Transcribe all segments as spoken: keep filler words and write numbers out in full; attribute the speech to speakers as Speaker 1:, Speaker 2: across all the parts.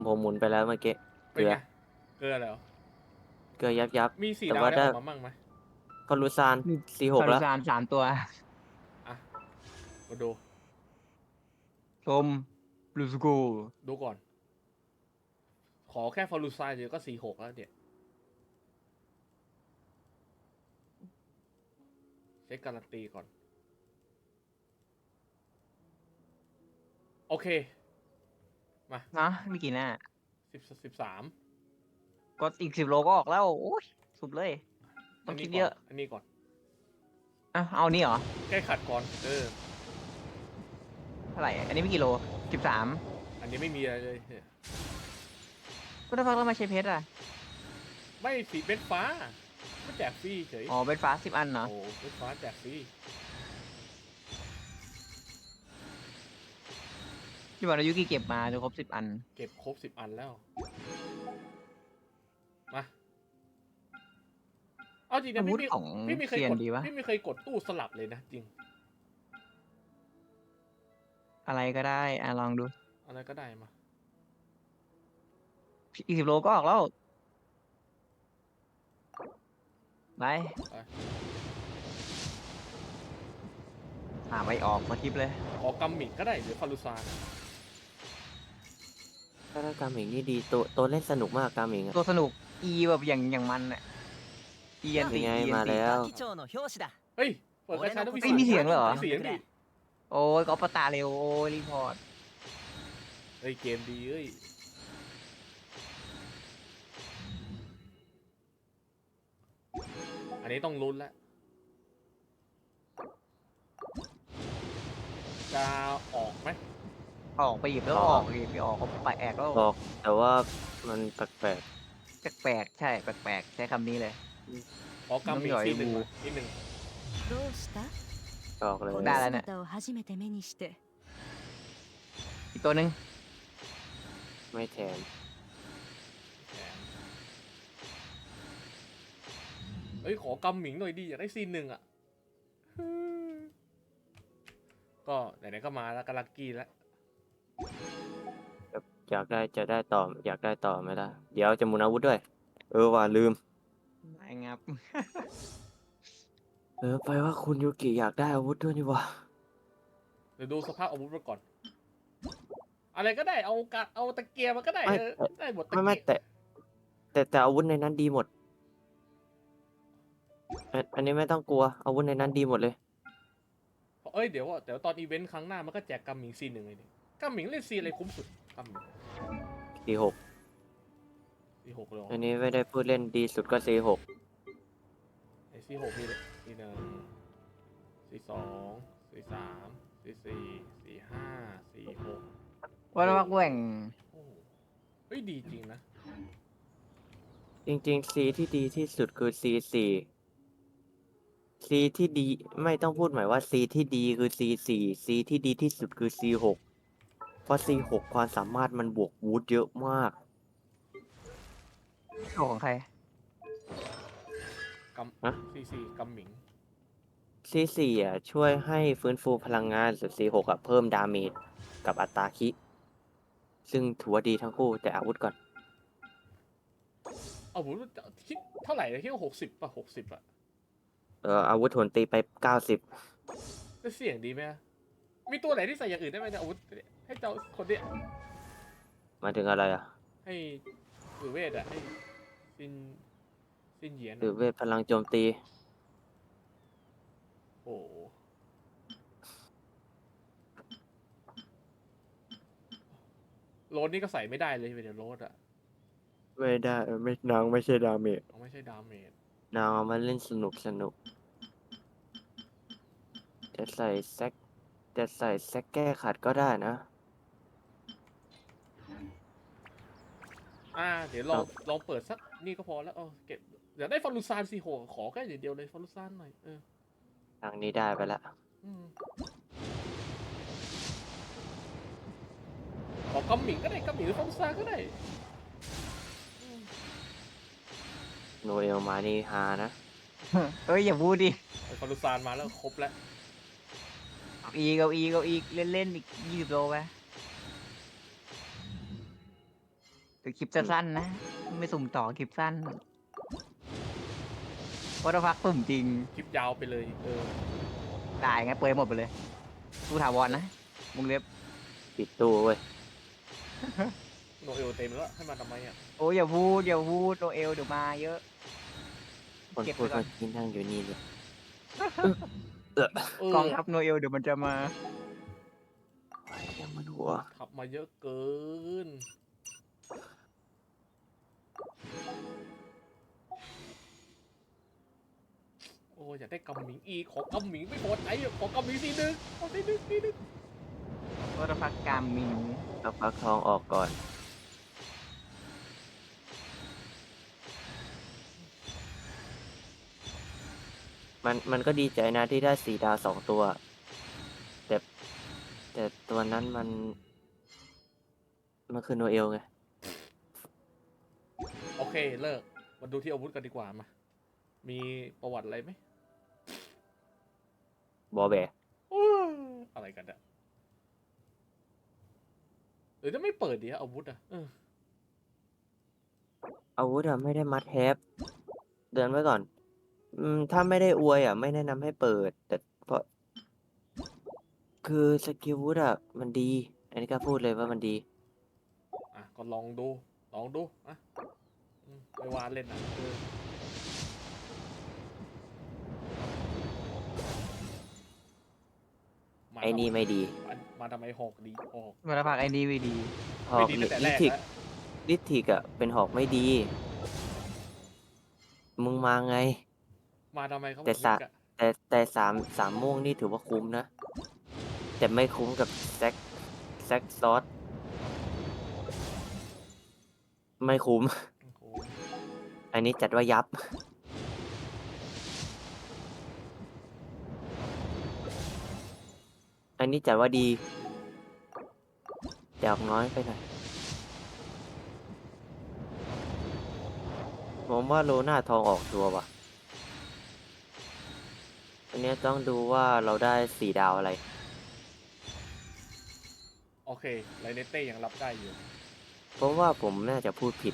Speaker 1: ผมหมุนไปแล้วเมื่อกี้เก
Speaker 2: เป็น
Speaker 1: ลือ
Speaker 2: ไงเกลือแล้ว
Speaker 1: เกลือยับยับ
Speaker 2: มีสี่
Speaker 1: แต่ว่าได้
Speaker 2: ดาวได้ออกมามั่งไหม
Speaker 1: ฟอลูซาน
Speaker 3: มี
Speaker 1: สี่หกแล้ว
Speaker 3: คารุซานสามตัว
Speaker 2: อ่ะมาดู
Speaker 3: ชมลูสกู
Speaker 2: ดูก่อนขอแค่ฟอร์ลูซายเดียวก็สี่หกแล้วเนี่ยเช็คการันตีก่อนโอเคมา
Speaker 3: นะมีกี่หน้า
Speaker 2: สิบสิบสาม
Speaker 3: ก็อีกสิบโลก็ออกแล้ว โอ้ย สุดเลย ต้
Speaker 2: อันนี้ก่อน
Speaker 3: องคิดเยอะ
Speaker 2: อันนี้ก่อน
Speaker 3: อ่ะเอานี่เหรอ
Speaker 2: แก้ขัดก่อนเออ
Speaker 3: เท่าไหร่ อันนี้ไม่กี่โลสิบสาม
Speaker 2: อันนี้ไม่มีอะไรเลยเนี่ย
Speaker 3: ก็ถ้าฟังแล้วมาใช้เพชรอ่ะ
Speaker 2: ไม่สีเบ็ดฟ้าไม่แจกฟรีเฉย
Speaker 3: อ๋อเป็นฟ้าสิบอันเหรอ
Speaker 2: โอ้เบ็ดฟ้าแจกฟรี
Speaker 3: ที่บอกนายุกิเก็บมาจนครบสิบอัน
Speaker 2: เก็บครบสิบอันแล้วมาเอาจริงนะ
Speaker 3: อาวุ
Speaker 2: พี่
Speaker 3: ธ
Speaker 2: ไม่
Speaker 3: ของ
Speaker 2: พี่ไม่เคย
Speaker 3: เซีย
Speaker 2: ก
Speaker 3: น
Speaker 2: ด
Speaker 3: ดีวะ
Speaker 2: พี่ไม่เคยกดตู้สลับเลยนะจริง
Speaker 3: อะไรก็ได้ อ่ะลองดู
Speaker 2: อะไรก็ได้มา
Speaker 3: อีกสิบโลก็ออกแล้ว ไป
Speaker 2: ไป
Speaker 3: อ่าไปออกมาทิปเลย
Speaker 2: ขอกัมมิกก็ได้หรือฟารุซาน
Speaker 1: ถ้าได้กามิงนี่ดีตัวตัวเล่นสนุกมากกามิงอะ
Speaker 3: ตัวสนุก อีแบบอย่างอย่างมันอ่ะอีอันติ
Speaker 1: ยังไง
Speaker 3: อีอัน
Speaker 1: มา
Speaker 3: ติ
Speaker 1: แล้ว
Speaker 2: เฮ้ยเปิดกระชาต้องมี
Speaker 3: เฮ้ยมีเสียงเหรอ
Speaker 2: มีเสียงดิ
Speaker 3: โอ้ยก็ปะตาเร็ว โอ้ยรีพอร์ต
Speaker 2: เฮ้ยเกมดีเอ้ยอันนี้ต้องลุ้นแล้วจะออกไหม
Speaker 3: ออกไปหยิบแล้ว
Speaker 1: อ
Speaker 3: อ
Speaker 1: อ
Speaker 3: อก กหยิบไปออกก็ไปแอกแล้ว
Speaker 1: บอกแต่ว่ามันแปลก
Speaker 3: แปลกๆใช่แปลกๆใช้คำนี้เลย
Speaker 2: ขอกัมมิก
Speaker 3: น้องหยอย
Speaker 2: ซีหนึ่ง
Speaker 3: บู
Speaker 2: มาอีกหนึ่ง
Speaker 4: どうした
Speaker 1: ๆออกเลย
Speaker 4: この
Speaker 3: だらね
Speaker 4: 姿を初めて目にして
Speaker 3: อีกตัวหนึ่ง
Speaker 1: ไม่แถม
Speaker 2: แถมเฮ้ยขอกัมมิงหน่อยดิอยากได้ซีนหนึ่งอ่ะก็ไหนๆก็มาแล้วก็ลักกี้แล้ว
Speaker 1: อยากได้จะได้ต่ออยากได้ต่อไหมล่ะเดี๋ยวจะหมุนอาวุธด้วย เออว่าลืม
Speaker 3: ไม่งับ
Speaker 1: เออไปว่าคุณยูกิอยากได้อาวุธด้วยนี่วะ
Speaker 2: เดี๋ยวดูสภาพอาวุธมาก่อน อะไรก็ได้เอากะเอาตะเกียบมันก็ได้
Speaker 1: ไม่
Speaker 2: เออได้หมดตะ
Speaker 1: ไม่ไม่
Speaker 2: เกียบ
Speaker 1: แต่แต่แต่อาวุธในนั้นดีหมดอันอันนี้ไม่ต้องกลัวอาวุธในนั้นดีหมดเลย
Speaker 2: เอ้ยเดี๋ยวเดี๋ยวตอนอีเวนต์ครั้งหน้ามันก็แจกกัมมิงซีหนึ่งเลยดิกัมมิงเล่นซีอะไรคุ้มสุดกัมมิง
Speaker 1: สี่หก
Speaker 2: ซีหกเลยเหรอ
Speaker 1: อันนี้ไม่ได้พูดเล่นดีสุดก็สี่หก
Speaker 2: ไอซีหกมีเลยซีหนึ่งซีสองซีสามซีสี่ซีห้าซีหก
Speaker 3: ว่าแล้วมักแหว่ง
Speaker 2: โอ้โหเฮ้ยดีจริงนะ
Speaker 1: จริงๆ C ที่ดีที่สุดคือ C สี่ C ที่ดีไม่ต้องพูดหมายว่า C ที่ดีคือ C สี่ C ที่ดีที่สุดคือ C หกเพราะ C หกความสามารถมันบวกวูดเยอะมาก
Speaker 3: ของใคร
Speaker 2: กัม
Speaker 1: ฮะ
Speaker 2: ซีสี่กัมมิง
Speaker 1: C สี่อ่ะช่วยให้ฟื้นฟูพลังงานส่วน C หกอ่ะเพิ่มดาเมจกับอัตราคิซึ่งถือว่าดีทั้งคู่แต่อาวุธก่อน
Speaker 2: เอาผมคิดเท่าไหร่เลยคิดว่าหกสิบป่ะหกสิบอะ
Speaker 1: เอออาวุธโถนตีไปเก้าสิบ
Speaker 2: จะเสี่ยงดีไหมอะมีตัวไหนที่ใส่อย่างอื่นได้ไหมเนี่ยอาวุธเนี่ยให้เจ้าคนเนี้ย
Speaker 1: มาถึงอะไรอ่ะ
Speaker 2: ให้หรือเวทอะให้ซินซินเหยียน
Speaker 1: หรือ
Speaker 2: อะ
Speaker 1: เวทพลังโจมตี
Speaker 2: โอ้โหโรดนี่ก็ใส่ไม่ได้เลยเป็นโรดอะ
Speaker 1: ไม่ได้ไม่นางไม่ใช่ดาเมจ
Speaker 2: เอาไม่ใช่ดาเมจ
Speaker 1: นางเอามาเล่นสนุกสนุกจะใส่แซกจะใส่แซกแก้ขัดก็ได้นะ
Speaker 2: อ่าเดี๋ยวลองลองเปิดสักนี่ก็พอแล้วเออเก็บเดี๋ยวได้ฟอลูซานซีโหขอแค่อย่างเดียวเลยฟอลูซานหน่อยเออ
Speaker 1: ทางนี้ได้ไปละ
Speaker 2: อืมขอกัมหมิงก็ได้กัมหมิงหรือฟอลูซานก็ได้อืม
Speaker 1: โนเอลมานี่ฮานะ
Speaker 3: เฮ้ย อย่าพูดดิ
Speaker 2: เอาฟอลูซานมาแล้วครบแล้ว
Speaker 3: เก้าอีเก้าอีเก้าอีเล่นเล่นๆอีกยี่สิบโลไปแต่คลิปสั้นๆนะ ไม่สุ่มต่อคลิปสั้นวัตพักสุ่มจริง
Speaker 2: คลิปยาวไปเลยเออ
Speaker 3: ได้ไงเปลือยหมดไปเลยตู้ถาวรนะวงเล็บ
Speaker 1: ปิดตู้เว้ย
Speaker 2: โนเอลเต็มแล้วให้มาทำไมอ่ะ
Speaker 3: โอ้ยอย่าพูดอย่าพูดโนเอลเดี๋ยวมาเยอะ
Speaker 1: คน
Speaker 3: เก็บ
Speaker 1: พู
Speaker 3: ไว้
Speaker 1: ด
Speaker 3: ก่อน
Speaker 1: เมื่อกี้นั่งอยู่นี่เลยเออ
Speaker 2: เออก
Speaker 3: องทัพโนเอลเดี๋ยวมันจะมา
Speaker 1: ยังมันหัว
Speaker 2: ขับมาเยอะเกิน โอ้ยอยากได้กำหมิงอีกขอกำหมิงไม่พอใจอ่ะขอกำหมิงทีนึงขอทีนึงทีนึง
Speaker 3: วัตพักกามมิน
Speaker 1: เอาฟักทองออกก่อน มันมันก็ดีใจนะที่ได้สี่ดาวสองตัว แต่แต่ตัวนั้นมัน มันคือโนเอลไง
Speaker 2: โอเคเลิกมาดูที่อาวุธกันดีกว่ามา มีประวัติอะไรไหม
Speaker 1: บอแบ
Speaker 2: อู้อะไรกันอะหรือจะไม่เปิดดีอะอาวุธอะเออ
Speaker 1: อาวุธอะไม่ได้มัดแฮปเดินไว้ก่อน อืม ถ้าไม่ได้อวยอ่ะ ไม่แนะนำให้เปิด แต่เพราะ คือสกิลวุธอ่ะ มันดี อันนี้ก็พูดเลยว่ามันดี
Speaker 2: อ่ะก็ลองดู ลองดูอ่ะอืมไปวานเล่นอ่ะเออมา
Speaker 1: ไอ้นี่ไม่ดี
Speaker 2: ทำไมมาทำไมหอกดีหอก
Speaker 3: วัตพักไอ้นี่ไม่ดี
Speaker 1: หอ
Speaker 2: ไม่
Speaker 1: ก
Speaker 2: ดี
Speaker 1: ลิ
Speaker 2: ตั้งแต่แร
Speaker 1: ลิ
Speaker 2: ก
Speaker 1: ทิก
Speaker 2: แล้ว
Speaker 1: ลิทิกอ่ะ เป็นหอกไม่ดี มึงมาไง
Speaker 2: มาทำไมเขา
Speaker 1: แต่
Speaker 2: บอก
Speaker 1: สะ
Speaker 2: มิกอะ
Speaker 1: แต่แต่สามสามม่วงนี่ถือว่าคุ้มนะ แต่ไม่คุ้มกับแซกแซกซอส ไม่คุ้ม
Speaker 2: โอ้โห
Speaker 1: อันนี้จัดว่ายับ อันนี้จัดว่าดี แต่ออกน้อยไปหน่อย ผมว่าโลน่าทองออกชัวร์ว่ะ อันเนี้ยต้องดูว่าเราได้สี่ดาวอะไร
Speaker 2: โอเคไลเนเต้ยังรับได้อยู่
Speaker 1: เพราะว่าผมน่าจะพูดผิด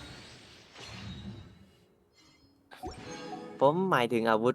Speaker 1: ผมหมายถึงอาวุธ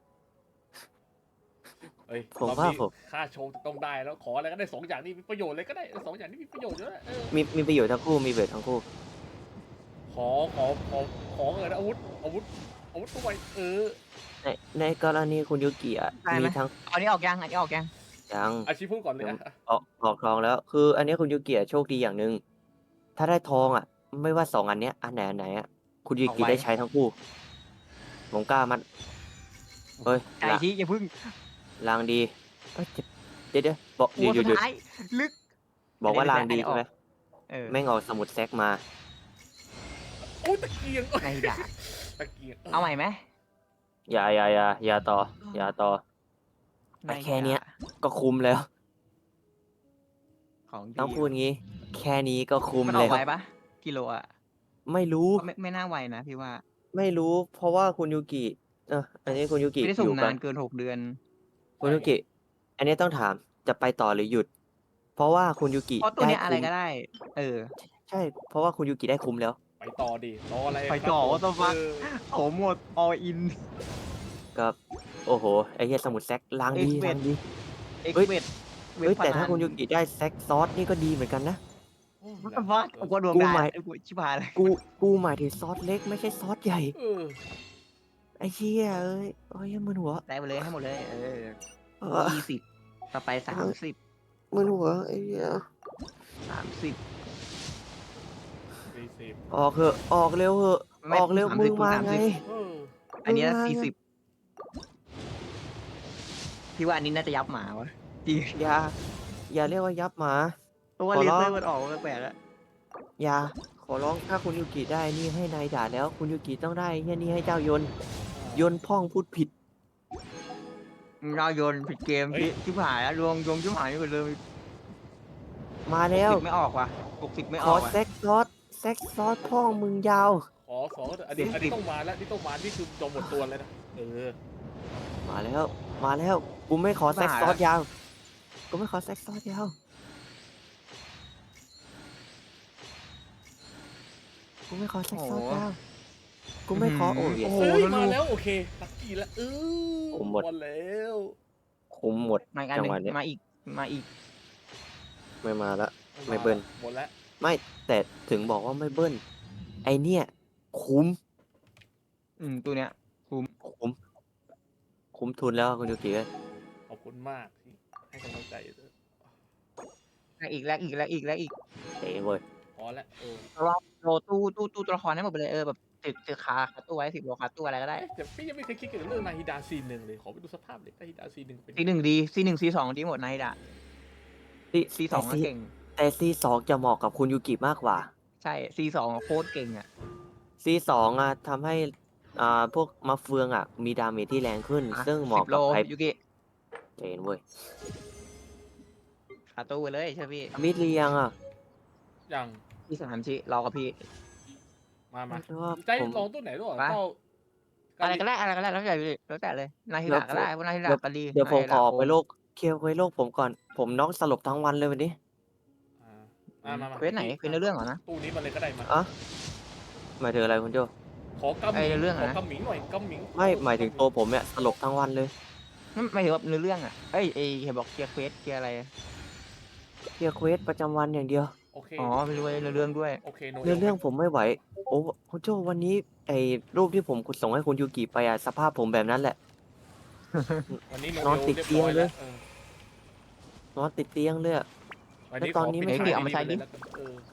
Speaker 2: เอ้ย
Speaker 1: ผม
Speaker 2: รอบ
Speaker 1: ว่า
Speaker 2: นี้
Speaker 1: ผม
Speaker 2: ค่าโชว์ต้องได้แล้วขออะไรก็ได้สองอย่างนี้มีประโยชน์เลยก็ได้สองอย่างนี้มีประโยชน์เยอะเออ
Speaker 1: มีมีประโยชน์ทั้งคู่ มีประโยชน์ทั้งคู่
Speaker 2: ขอขอขอขอเงินอาวุธอาวุธอาวุธตัวใหม่เออ
Speaker 1: ในในกรณีคุณยูกิอ่ะ
Speaker 3: ได้ไหม
Speaker 1: มีทั้ง
Speaker 3: เอาอันนี้ออกยังอันนี้ออกยัง
Speaker 1: ยัง
Speaker 2: อาชีพพูดก่อนเลย
Speaker 1: ยัง
Speaker 2: อะ
Speaker 1: ออกออกทองแล้ว คือ อันเนี้ยคุณยูกิอะโชคดีอย่างหนึ่ง ถ้าได้ทองอ่ะ ไม่ว่าสองอันเนี้ย อันไหนอันไหนอ่ะ คุณยู
Speaker 3: เอา
Speaker 1: กิ
Speaker 3: ไว้
Speaker 1: ได้ใช้ทั้งคู่ ผมกล้ามัน เฮ้ย
Speaker 3: ใจ
Speaker 1: ละ
Speaker 3: ชี้อย่าพึ่ง
Speaker 1: ลางดีเอ้ยเดี๋ยวเดี๋ยวบอก
Speaker 3: โอ้
Speaker 1: หยุดหยุดหยุด
Speaker 3: สุดท้ายลึก
Speaker 1: บอกว่า
Speaker 3: อันไหน
Speaker 1: ลางดี
Speaker 3: อันไหน
Speaker 1: ใช่ไหม
Speaker 3: ออก เออ
Speaker 1: แม่งเอาสมุดแซกมา
Speaker 2: โอ้ยตะเกียง
Speaker 3: ในดาบ
Speaker 2: ตะเกียง
Speaker 3: เอาใหม่ไหม
Speaker 1: อย่าอย่าอย่าอย่าต่อ อย่าต่อ
Speaker 3: ใน
Speaker 1: แต่แค่เนี้ย
Speaker 3: ดาบ
Speaker 1: ก็คุ้มแล้ว
Speaker 3: ของดี
Speaker 1: ต้องพูดงี้ แค่นี้ก็คุ้ม
Speaker 3: มันออ
Speaker 1: แล้
Speaker 3: ก
Speaker 1: ว
Speaker 3: ไวปะกิโลอ่ะ
Speaker 1: ไม่รู้
Speaker 3: ก็ไม่ไม่น่าไวนะพี่ว่า
Speaker 1: ไม่รู้ เพราะว่าคุณยูกิ เอออันนี้คุณยูกิ
Speaker 3: ไม่ได้
Speaker 1: อ
Speaker 3: สุ่ม
Speaker 1: ยู่กัน
Speaker 3: าน นเกินหกเดือน
Speaker 1: คุณยูกิ อันนี้ต้องถาม จะไปต่อหรือหยุด เพราะว่าคุณยูกิ
Speaker 3: เพราะตัว
Speaker 1: ได้
Speaker 3: เนี้ยอะไร
Speaker 1: คุ้ม
Speaker 3: ก็ได้ เออ
Speaker 1: ใช่ เพราะว่าคุณยูกิได้คุ้มแล้ว
Speaker 2: ไปต่อดิรออะไร
Speaker 3: ไป
Speaker 2: ครับ
Speaker 3: ต่อ
Speaker 2: ผม
Speaker 3: ว่าต้องฟัก
Speaker 2: เออ
Speaker 3: โอ้หมด all in
Speaker 1: ก็ โอ้โห ไอ้เหี้ยสมุดแซกลางดี
Speaker 3: Expert
Speaker 1: ลางดี
Speaker 3: เอ็ก
Speaker 1: เฮ้ย
Speaker 3: เวด
Speaker 1: เฮ้ย แต่ถ้าคุณยูกิได้แซกซอสนี่ก็ดีเหมือนกันนะ
Speaker 2: โอ้
Speaker 3: วัต
Speaker 2: แล้ว
Speaker 3: ฟัก
Speaker 2: เออ
Speaker 3: กูดวง
Speaker 1: กู
Speaker 3: ได้
Speaker 1: หมาย
Speaker 3: ไอ้กูชิบหายเลย
Speaker 1: กู กูหมายถึงซอสเล็กไม่ใช่ซอสใหญ่
Speaker 2: เออ
Speaker 1: ไอ้เชี่ยเอ้ยโอ้ยมึนหัว
Speaker 3: ได้ไปเลยให้หมดเลย เออ
Speaker 1: เออ
Speaker 3: ยี่สิบต่อไปสามสิบ
Speaker 1: มึนหัวไอ้เหี้ย
Speaker 3: สามสิบ
Speaker 2: สี่สิบ
Speaker 1: ออกเถอะ ออกเร็วเถอะ
Speaker 3: ไม่
Speaker 1: ออกเร็ว
Speaker 3: สาม
Speaker 1: มึ
Speaker 3: สิบ
Speaker 1: งมา
Speaker 3: สาม
Speaker 1: ไง
Speaker 3: สิบ
Speaker 2: เออ
Speaker 3: อันเนี้
Speaker 1: มึงมา
Speaker 3: สี่
Speaker 1: ไง
Speaker 3: สิบพี่ว่าอันนี้น่าจะยับหมาวะจริง
Speaker 1: อย่า อย่าเรียกว่ายับหมา
Speaker 3: เพราะว่า
Speaker 1: ขอ
Speaker 3: เล
Speaker 1: ร้อง
Speaker 3: เซอร์มันออกมาแปลกๆแล้ว
Speaker 1: อย่า ขอร้อง ถ้าคุณยูกิได้นี่ให้นายด่าแล้ว คุณยูกิต้องได้เฮียนี่ให้เจ้ายน ยนพ่องพูดผิด
Speaker 3: เราโยนผิดเกม
Speaker 2: เฮ้ย
Speaker 3: พี่ชิบหายแล้วรวงยงชิบหายไปหมดเลย
Speaker 1: มาแล้ว
Speaker 3: หกสิบไม่ออกว่ะหกสิบไม่
Speaker 1: ข
Speaker 3: อ
Speaker 1: อ
Speaker 3: อกว่ะ
Speaker 1: แซกซอสแซกซอสพ่องมึงยาว
Speaker 2: ขอสองอันนี้
Speaker 3: สี่สิบ
Speaker 2: อันนี้ต้องมาแล้วนี่ต้องมานี่คือจมหมดตัวเลยนะเออ
Speaker 1: มาแล้ว มาแล้ว กูไม่ขอแซกซอสยาว กูไม่ขอแซกซอสยาวกูไม่ขอแซก
Speaker 3: โอ้
Speaker 1: ซ
Speaker 3: โห
Speaker 1: อดดาวกูไม่ขอ
Speaker 3: อื้
Speaker 1: โอ้
Speaker 3: อหือ
Speaker 1: ย
Speaker 3: โอ้โห
Speaker 2: เฮ้ย
Speaker 3: แล้ว
Speaker 2: มา
Speaker 3: ลูก
Speaker 2: แล้วโอเคลักกี้แล้วเออ
Speaker 1: ผมหมด
Speaker 2: หมดแล้ว
Speaker 1: คุ้มหมด
Speaker 3: มาอีกอัน
Speaker 1: จั
Speaker 3: ห
Speaker 1: ง
Speaker 3: นึ่
Speaker 1: ห
Speaker 3: ง
Speaker 1: วะเนี้ย
Speaker 3: มาอีกมาอีก
Speaker 1: ไม่มาละ ไม่
Speaker 2: า
Speaker 1: เบิ้ล
Speaker 2: หมดแล้ว
Speaker 1: ไม่แต่ถึงบอกว่าไม่เบิ้ลไอเนี่ย คุ้ม
Speaker 3: อืมตัวเนี้ยคุ้ม
Speaker 1: คุ้ม คุ้มทุนแล้วคุณยูกิเอ้ย
Speaker 2: ขอบคุณมากที่ให้กำลังใจด้วย
Speaker 3: แลกอีกแลกอีกแลกอีกแลกอีก
Speaker 1: เจ๋งเว้ย
Speaker 2: พอแล้วเออ
Speaker 3: เพราะว่าโลตู้ตู้ตู้ตัวละครให้หมดไปเลยเออแบบติดติดคาคาตู้ไว้สิบโลคาตู้อะไรก็ได้
Speaker 2: เอ๊ะแต่พี่ยังไม่เคยคิดเกี่ยวกับเรื่องนาฮิดาซีนหนึ่งเลยขอไปดูสภาพเลยนาฮิดาซีนหนึ่งเป็น
Speaker 3: ซีหนึ่งดีซีหนึ่งซีสองดีหมดนะไอ้ด่า
Speaker 1: ซี
Speaker 3: ซีสองก็
Speaker 1: แต่
Speaker 3: เก่ง
Speaker 1: แต่ซีสองจะเหมาะกับคุณยูกิมากกว่า
Speaker 3: ใช่ซีสองโคตรเก่งอ่ะ
Speaker 1: ซีสองอ่ะทำให้อ่าพวกมะเฟืองอ่ะ มีดาเมจที่แรงขึ้น
Speaker 3: อ่ะ
Speaker 1: ซึ่งเห
Speaker 3: สิ
Speaker 1: มาะ
Speaker 3: บโล
Speaker 1: กับไอ
Speaker 3: ยูกิ
Speaker 1: เจนเว้ย
Speaker 3: คาตู้ไปเลยเชื่อพี่
Speaker 1: มิดเรียงอ่ะ
Speaker 2: อย่าง
Speaker 3: พี่สามชิรอกับพี่
Speaker 2: มามา
Speaker 1: เพราะว่า
Speaker 2: ใจ
Speaker 1: ผม
Speaker 2: ลองตัวไหนด้วย
Speaker 3: ไป
Speaker 2: เจ้า
Speaker 3: อะไรก็ได้อะไรก็ได้แล้วแต่พี่แล้วแต่เลยนาฮิดะก็ได้พวกนาฮิดะก็ดี
Speaker 1: เดี๋ยวผม
Speaker 3: นาฮิ
Speaker 1: ขอ
Speaker 3: ดะ
Speaker 1: ออกไป
Speaker 3: โ
Speaker 1: โลกเคลียร์ไว้โลกผมก่อน ผมน็อกสลบทั้งวันเลยวันนี้
Speaker 2: อ่ามามามา
Speaker 3: เควสไหนเควสในเรื่องเหรอนะ
Speaker 2: ตู้นี้มาเลยก็ได้มา
Speaker 1: อ่ะหมายถึงอะไรคุณโจ
Speaker 2: ขอกำห
Speaker 3: ไอ้
Speaker 2: มิง
Speaker 3: เรื่อง
Speaker 2: ข
Speaker 3: อะ
Speaker 2: อ
Speaker 3: นะ
Speaker 2: กำหมิงหน่อยกำหมิง
Speaker 1: ไม่หมายถึงตัวผมเนี่ยสลบทั้งวันเลย
Speaker 3: ไม่ไม่ถือว่าเนื้อเรื่องอ่ะเอ้ยเอ้ยเห็นบอกเคลียร์เควสเคลียร์อะไร
Speaker 1: เคลียร์เควสประจำวันอย่างเดียว
Speaker 2: โอเค
Speaker 3: อ๋อไม่รู้ว่าเนื้อเรื่องด้วย
Speaker 2: โอเคโน
Speaker 1: เรื่องเรื่องผมไม่ไหว โอ้คุณโจวันนี้ไอ้รูปที่ผมส่งให้คุณยูกิไปอะสภาพผมแบบนั้นแหละ
Speaker 2: วันนี้โน
Speaker 1: นอนติด
Speaker 2: เรียบ
Speaker 1: เตียง
Speaker 2: ร้อย
Speaker 1: เล
Speaker 2: แล้
Speaker 1: ยว
Speaker 2: เออน
Speaker 1: อนติดเตียงเลยอะ
Speaker 2: วันนี้
Speaker 1: แล้วตอนนี้
Speaker 2: ข
Speaker 1: ไม่
Speaker 3: ใช่
Speaker 2: ปิ
Speaker 3: เอามาใช้ดิ
Speaker 2: แล้วกันเออ